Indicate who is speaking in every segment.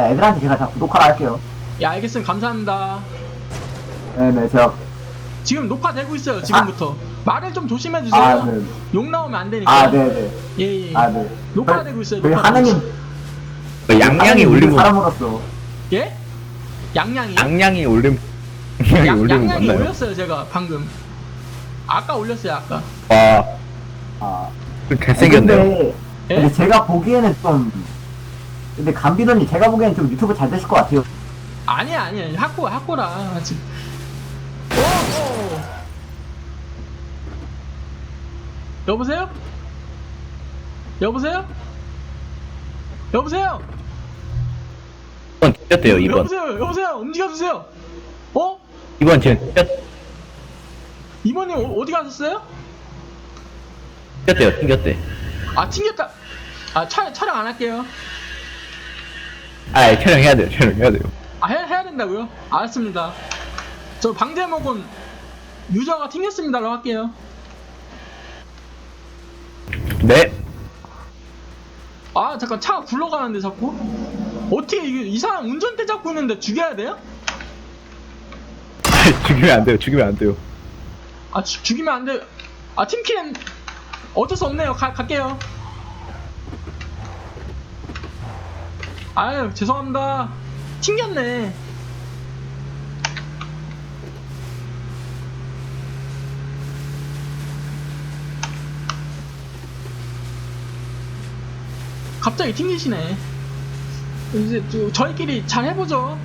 Speaker 1: 애들한테 제가 다 구독하라 할게요.
Speaker 2: 예, 알겠습니다. 감사합니다.
Speaker 1: 네네, 제가.
Speaker 2: 지금 녹화되고 있어요, 지금부터. 말을 좀 조심해주세요.
Speaker 1: 아, 네.
Speaker 2: 욕 나오면 안 되니까.
Speaker 1: 아, 네네.
Speaker 2: 예, 예.
Speaker 1: 아, 네.
Speaker 2: 녹화되고 있어요,
Speaker 1: 저희
Speaker 2: 녹화되고
Speaker 1: 하느님.
Speaker 3: 양양이 올린 거
Speaker 1: 사람으로서.
Speaker 2: 예? 양양이요?
Speaker 3: 양양이 올린 양양이 올린 거
Speaker 2: 양양이
Speaker 3: 맞나요?
Speaker 2: 올렸어요, 제가 방금. 아까 올렸어요, 아까.
Speaker 3: 와,
Speaker 1: 아.
Speaker 3: 좀 잘생겼네요.
Speaker 1: 근데
Speaker 2: 예?
Speaker 1: 제가 보기에는 좀. 근데 감비더님 제가 보기에는 좀 유튜브 잘 되실 것 같아요.
Speaker 2: 아니야. 학고라. 지금. 오! 여보세요? 여보세요? 여보세요?
Speaker 3: 2번 튀겼대요, 2번.
Speaker 2: 여보세요? 움직여주세요. 어?
Speaker 3: 2번 지금
Speaker 2: 이번님 어디 가셨어요?
Speaker 3: 튕겼대.
Speaker 2: 아, 튕겼다. 아, 촬영 안 할게요.
Speaker 3: 아, 촬영해야 돼요.
Speaker 2: 아, 해야 된다고요? 알았습니다. 저 방제목은 유저가 튕겼습니다라고 할게요.
Speaker 3: 네.
Speaker 2: 아, 잠깐 차가 굴러가는데 자꾸? 어떻게 이 사람 운전대 잡고 있는데 죽여야 돼요?
Speaker 3: 죽이면 안 돼요.
Speaker 2: 아, 죽이면 안 돼요. 아, 팀킬은 어쩔 수 없네요. 갈게요. 아유, 죄송합니다. 튕겼네. 갑자기 튕기시네. 이제 저희끼리 잘 해보죠.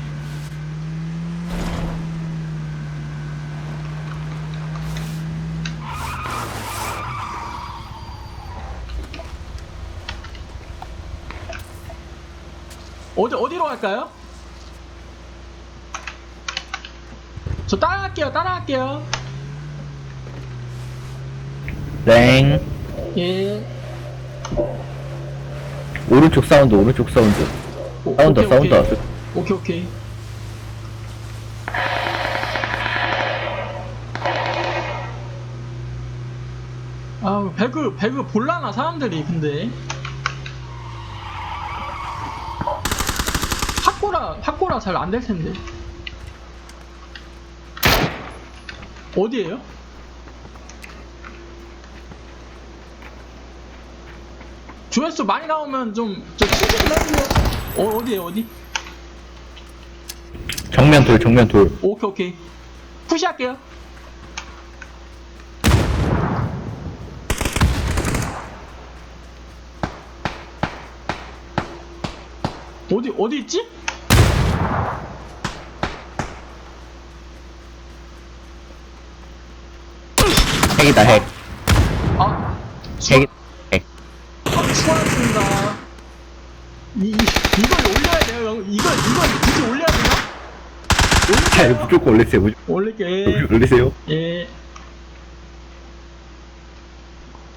Speaker 2: 어디로 갈까요? 저 따라갈게요.
Speaker 3: 땡.
Speaker 2: 예.
Speaker 3: 오른쪽 사운드. 사운드.
Speaker 2: 오케이. 아, 배그 볼라나 사람들이. 근데 학고라 잘 안 될 텐데. 어디에요? 조회수 많이 나오면 저 칭찬 좀 해주세요. 어디에요? 어디?
Speaker 3: 정면 돌.
Speaker 2: 오케이. 푸시할게요. 어디 있지?
Speaker 3: 핵이다, 핵.
Speaker 2: 아,
Speaker 3: 핵.
Speaker 2: 수고하셨습니다. 이걸 올려야 돼요. 이걸 굳이 올려야 되나?
Speaker 3: 무조건 올리세요.
Speaker 2: 올릴게.
Speaker 3: 올리세요.
Speaker 2: 예.